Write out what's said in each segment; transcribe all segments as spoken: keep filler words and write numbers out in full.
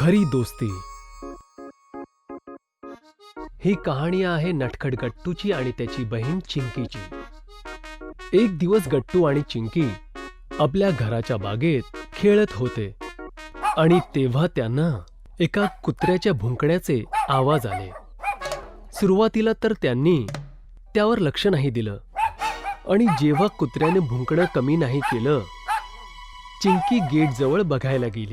खरी दोस्ती. ही कहाणी आहे नटखट गट्टूची आणि त्याची बहीण चिंकीची. एक दिवस गट्टू आणि चिंकी आपल्या घराच्या बागेत खेळत होते आणि तेव्हा त्यांना एका कुत्र्याच्या भुंकण्याचे आवाज आले. सुरुवातीला तर त्यांनी त्यावर लक्ष नाही दिलं आणि जेव्हा कुत्र्याने भुंकणं कमी नाही केलं, चिंकी गेटजवळ बघायला गेली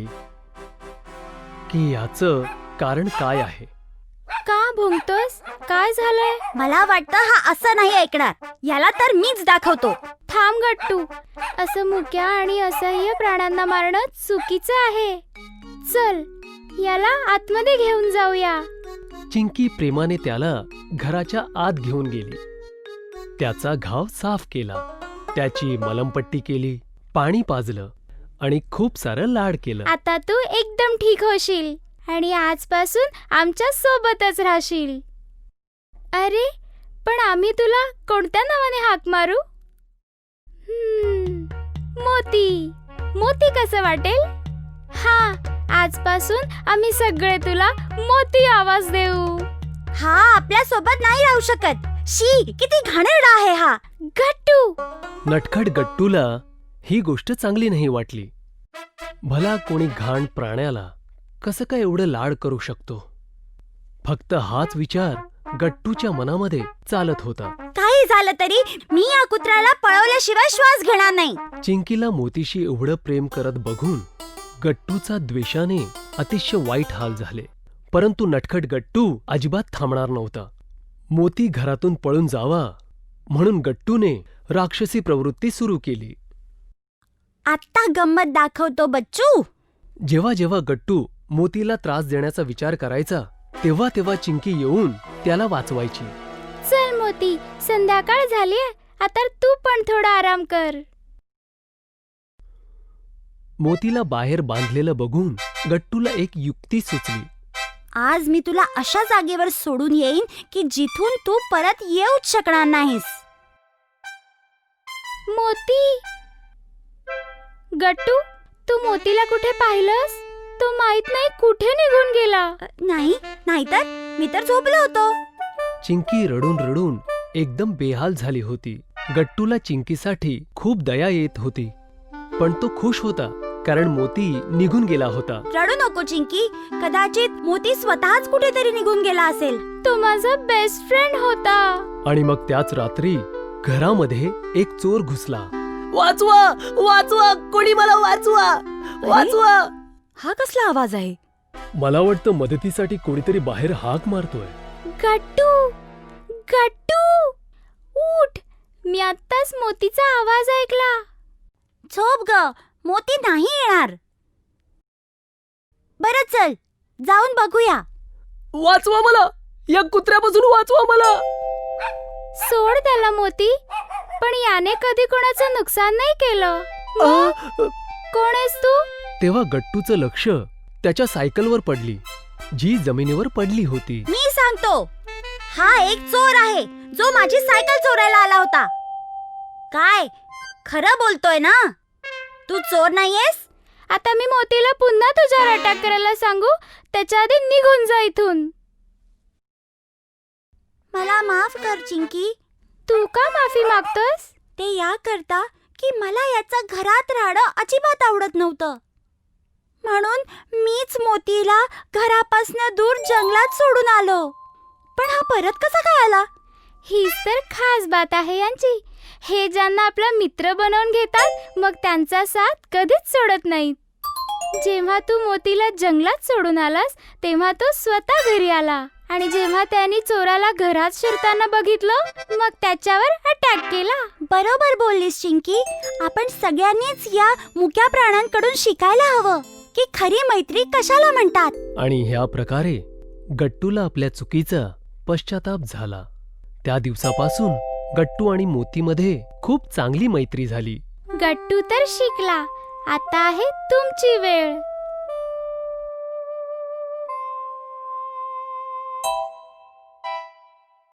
की याचं कारण काय आहे. का भुंकतोस? काय झालंय? मला वाटतं हा असं नाही ऐकणार. याला तर मीच दाखवतो. थांब गट्टू, असं मुक्या आणि असह्य प्राण्यांना मारणं चुकीचं आहे. चल, याला आतमध्ये घेऊन जाऊया. चिंकी प्रेमाने त्याला घराच्या आत घेऊन गेली. त्याचा घाव साफ केला, त्याची मलमपट्टी केली, पाणी पाजलं आणि खूप सारं लाड केलं. आता तू एकदम ठीक होशील आणि आजपासून आमच्या सोबतच राहशील. अरे, पण आम्ही तुला कोणत्या नावाने हाक मारू? हम्म, मोती. मोती कसं वाटेल? हा, आजपासून आम्ही सगळे तुला मोती आवाज देऊ. हा आपल्या सोबत नाही राहू शकत. शी, किती घाणेरडा आहे हा. गट्टू. नटखट गट्टूला ही गोष्ट चांगली नाही वाटली. भला कोणी घाण प्राण्याला कसं काय एवढं लाड करू शकतो? फक्त हाच विचार गट्टूच्या मनामध्ये चालत होता. काही झालं तरी मी या कुत्र्याला पळवल्याशिवाय श्वास घेणार नाही. चिंकीला मोतीशी एवढं प्रेम करत बघून गट्टूचा द्वेषाने अतिशय वाईट हाल झाले. परंतु नटखट गट्टू अजिबात थांबणार नव्हता. मोती घरातून पळून जावा म्हणून गट्टूने राक्षसी प्रवृत्ती सुरू केली. आता गंमत दाखवतो बच्चू. जेव्हा जेव्हा गट्टू मोतीला त्रास देण्याचा विचार करायचा, तेव्हा तेव्हा चिंकी येऊन त्याला वाचवायची. चल मोती, संध्याकाळ झालीये, आता तू पण थोडा आराम कर. मोतीला बाहेर बांधलेलं बघून गट्टूला एक युक्ती सुचली. आज मी तुला अशा जागेवर सोडून येईन की जिथून तू परत येऊच शकणार नाहीस. मोती. गट्टू, तू मोतीला कुठे पाहिलंस? तो माहित नाही कुठे निघून गेला. नाही, नाहीतर मी तर झोपलो होतो. चिंकी रडून रडून एकदम बेहाल झाली होती. गट्टूला चिंकीसाठी खूप दया येत होती, पण तो खुश होता कारण मोती निघून गेला होता. रडू नको चिंकी, कदाचित मोती स्वतःच कुठेतरी निघून गेला असेल. तो माझा बेस्ट फ्रेंड होता. आणि मग त्याच रात्री घरामध्ये एक चोर घुसला. वाचवा, वाचवा, कोणी मला वाचवा, वाचवा. हा कसला आवाज आहे? मला वाटतं मदतीसाठी कोणीतरी बाहेर हाक मारतोय. गट्टू, गट्टू, उठ. मी आत्ताच मोतीचा आवाज ऐकला. झोप ग, मोती नाही येणार. बरं चल, जाऊन बघूया. वाचवा मला, या कुत्र्यापासून वाचवा मला. सोड त्याला मोती, पण याने कधी कोणाचं नुकसान नाही केलं. कोण आहेस तू? तेव्हा गट्टूचं लक्ष त्याच्या सायकलवर पडली, जी जमिनीवर पडली होती. मी सांगतो, हा एक चोर आहे जो माझी सायकल चोरायला आला होता. काय खरं बोलतोय ना? तू चोर नाहीयेस? आता मी मोतीला पुन्हा तुझ्यावर अटॅक करायला सांगू, त्याच्या आधी निघून जा इथून. मला माफ कर चिंकी. तू का माफी मागतोस? ते या करता की मला याचा घरात राहणं अजिबात आवडत नव्हतं, म्हणून मीच मोतीला घरापासून दूर जंगलात सोडून आलो. पण हा परत कसा काय आला? हीच तर खास बात आहे यांची. हे ज्यांना आपला मित्र बनवून घेतात, मग त्यांचा साथ कधीच सोडत नाहीत. जेव्हा तू मोतीला जंगलात सोडून आलास, तेव्हा तो स्वतः घरी आला आणि जेव्हा त्यांनी चोराला घरात शिरताना बघितलं, मग त्याच्यावर अटॅक केला. बरोबर बोललीस चिंकी. आपण सगळ्यांनीच या मुक्या प्राण्यांकडून शिकायला हवं की खरी मैत्री कशाला म्हणतात. आणि ह्या प्रकारे गट्टूला आपल्या चुकीचा पश्चाताप झाला. त्या दिवसापासून गट्टू आणि मोतीमध्ये खूप चांगली मैत्री झाली. गट्टू तर शिकला. आता आहे तुमची वेळ.